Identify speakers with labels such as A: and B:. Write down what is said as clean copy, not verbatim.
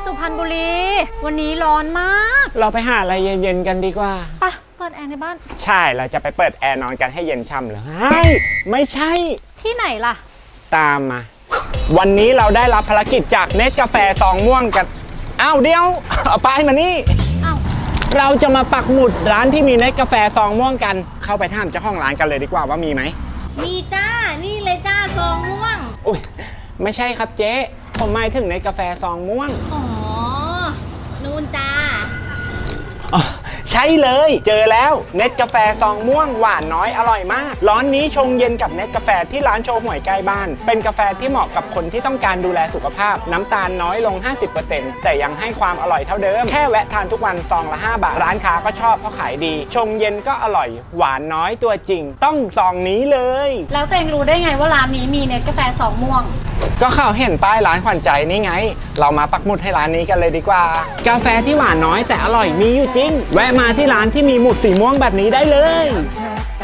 A: สุพรรณบุรีวันนี้ร้อนมาก
B: เราไปหาอะไรเย็นๆกันดีกว่า
A: ปะเปิดแอร์ในบ้าน
B: ใช่เราจะไปเปิดแอร์นอนกันให้เย็นช่ำเลยไม่ใช่
A: ที่ไหนล่ะ
B: ตามมาวันนี้เราได้รับภารกิจจากเนสกาแฟซองม่วงกันอ้าวเดี๋ยวเอาไปมานี่เราจะมาปักหมุดร้านที่มีเนสกาแฟซองม่วงกันเข้าไปถามเจ้าของร้านกันเลยดีกว่าว่ามีไหม
C: มีจ้านี่เลยจ้าซองม่วง
B: อุ๊ยไม่ใช่ครับเจ๊ผมหมายถึงเนสกาแฟซองม่วง
C: อ๋อนู่นจ้า
B: ใช่เลยเจอแล้วเนสกาแฟซองม่วงหวานน้อยอร่อยมากร้อนนี้ชงเย็นกับเนสกาแฟที่ร้านโชห่วยใกล้บ้านเป็นกาแฟที่เหมาะกับคนที่ต้องการดูแลสุขภาพน้ำตาลน้อยลง 50% แต่ยังให้ความอร่อยเท่าเดิมแค่แวะทานทุกวันซองละ5 บาทร้านค้าก็ชอบเพราะขายดีชงเย็นก็อร่อยหวานน้อยตัวจริงต้องซองนี้เลย
A: แล้วตัวเองรู้ได้ไงว่าร้านนี้มีเนสกาแฟซองม่วง
B: ก็เขาเห็นป้ายร้านขวัญใจนี่ไงเรามาปักหมุดให้ร้านนี้กันเลยดีกว่ากาแฟที่หวานน้อยแต่อร่อยมีอยู่จริงแวะมาที่ร้านที่มีหมุดสีม่วงแบบนี้ได้เลย